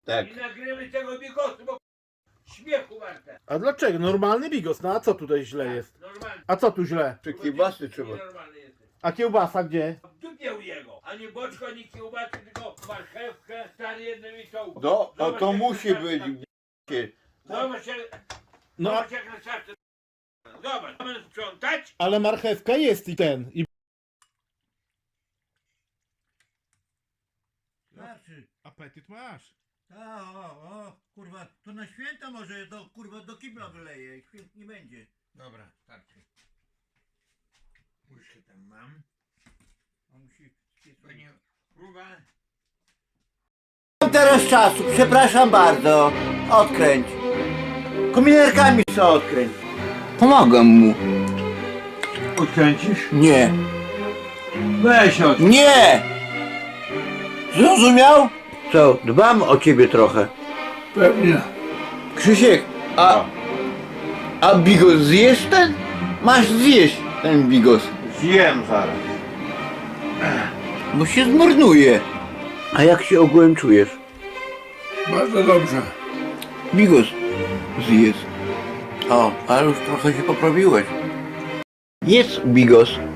Tak. I nagrywaj tego bigosu, bo śmiechu warte. A dlaczego? Normalny bigos, no a co tutaj źle jest? Normalnie. A co tu źle? Czy kiełbasy trzeba? Normalny jesteś. A kiełbasa gdzie? W dupie u jego. Ani boczko, ani kiełbasy, tylko marchewkę, stary jednym i tą. No, a Zobacz, to jak musi na być. szafce. Zobacz jak, No, zobacz jak na szafce. Zobacz, mamy sprzątać. ale marchewka jest i ten. I... Starczy. Apetyt masz. O, kurwa, to na święta może do, kurwa, do kibla wyleje, święt nie będzie. Dobra, starczy. Łyżkę tam mam. On musi... Panie, próba. Mam teraz czasu, przepraszam bardzo. Odkręć. Kominerkami co odkręć. Pomagam mu. Odkręcisz? Nie. Weź od. Nie! Zrozumiał? Co, dbam o ciebie trochę. Pewnie. Krzysiek, a bigos zjesz ten? Masz zjeść ten bigos, Zjem zaraz. bo się zmarnuje. A jak się ogółem czujesz? Bardzo dobrze. Bigos zjedz. O, ale już trochę się poprawiłeś. Jedz bigos.